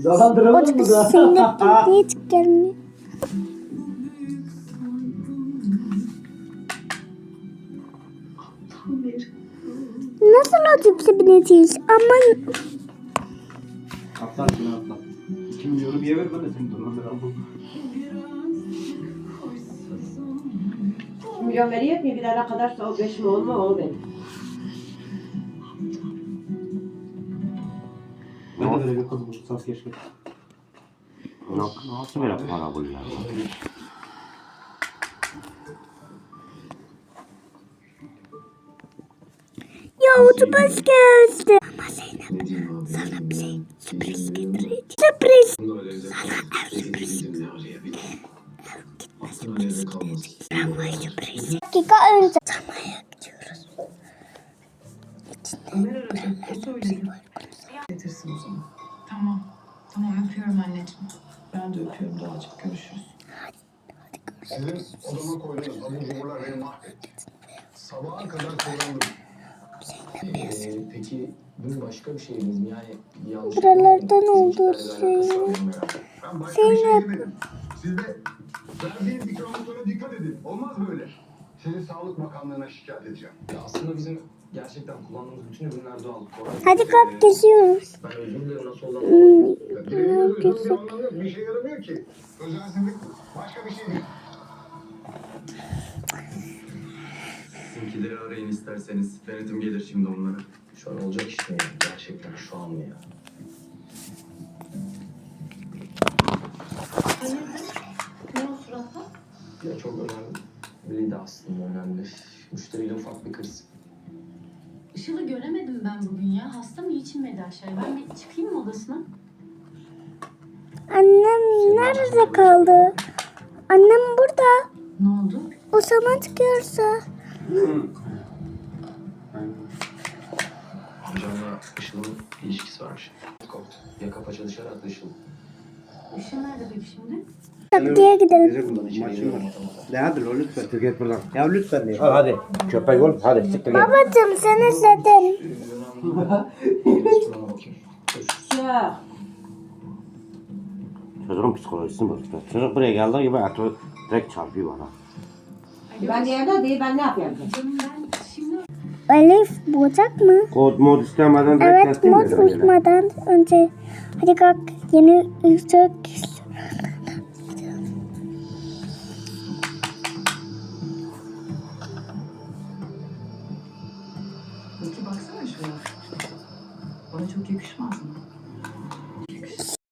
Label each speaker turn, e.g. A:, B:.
A: Zalandıralım mı da?
B: Zeynep niye hiç gelmiyor? Nasıl otobüse bineceğiz? Aman.
A: Atlar şunu atlar. 2 milyonu bir ver ben de seni dolandıralım.
C: 2 milyon veriyor mi? Bir ara kadarsa o 5 mi olma o benim.
A: Ben de böyle bir kız bulsam keşke.
D: Nasıl böyle para buluyor?
B: Ya otobüs geldi. Ama Zeynep sana bir şey sürpriz getireceğim. Sürpriz. Sana ev sürpriz. Ev gitme sürpriz gideceğiz. Tramvay sürpriz. Dakika önce tramvaya gidiyoruz.
E: Getirsin o zaman.
F: Tamam. Tamam öpüyorum anneciğim.
E: Ben de öpüyorum Doğacığım. Görüşürüz.
G: Sizin odama koyduğunuz abur cuburlar beni mahvetti. Sabaha kadar kullandım.
H: Peki bu başka bir şeyimiz mi? Yani yanlış
B: Buralardan oldu Zeynep.
G: Ben başka bir şey demedim. Siz de verdiğiniz ikramlıklara dikkat edin. Olmaz böyle. Sizi Sağlık Bakanlığı'na şikayet edeceğim.
H: Aslında bizim gerçekten kullandığımız bütün ürünler doğal.
B: Hadi kalk geziyoruz.
H: Ben özür dilerim nasıl oldu?
G: Birebir özür bir anlamı yok. Bir işe yaramıyor ki. Özensizlik başka bir şey değil.
I: Sizinkileri arayın isterseniz. Denetim gelir şimdi onlara.
H: Şu an olacak iş mi? Gerçekten şu an mı ya?
F: Ne o suratla?
H: Ya çok önemliydi aslında önemli. Müşteriyle ufak bir kriz.
F: Işıl'ı göremedim ben bugün ya. Hasta mı hiç inmedi aşağıya? Ben bir çıkayım mı odasına?
B: Annem nerede kaldı? Annem burada.
F: Ne oldu?
B: O zaman çıkıyorsa.
H: Amcamla Işıl'ın ilişkisi varmış. Korktu. Yaka paça dışarı attı Işıl.
F: Işıl nerede peki şimdi?
B: Taktiğe gidelim.
A: Ne hadi lo lütfen. Siktir git buradan. Ya lütfen diye. Hadi. Köpek ol. Hadi siktir git.
B: Babacım sen izledin.
H: Şurana bakayım.
C: Ya.
D: Çocuğun psikolojisini bozdu. Çocuk buraya geldiği gibi atı direkt çarpıyor bana.
C: Ben de evde değil ben ne yapayım?
F: Canım ben şimdi...
B: Elif bulacak mı?
D: Kod mod istemeden direkt
B: Evet
D: teslim
B: mod
D: ediyorum.
B: uyumadan önce. Hadi kalk yeni ışık.
E: Peki baksana şuna. Bana çok yakışmaz.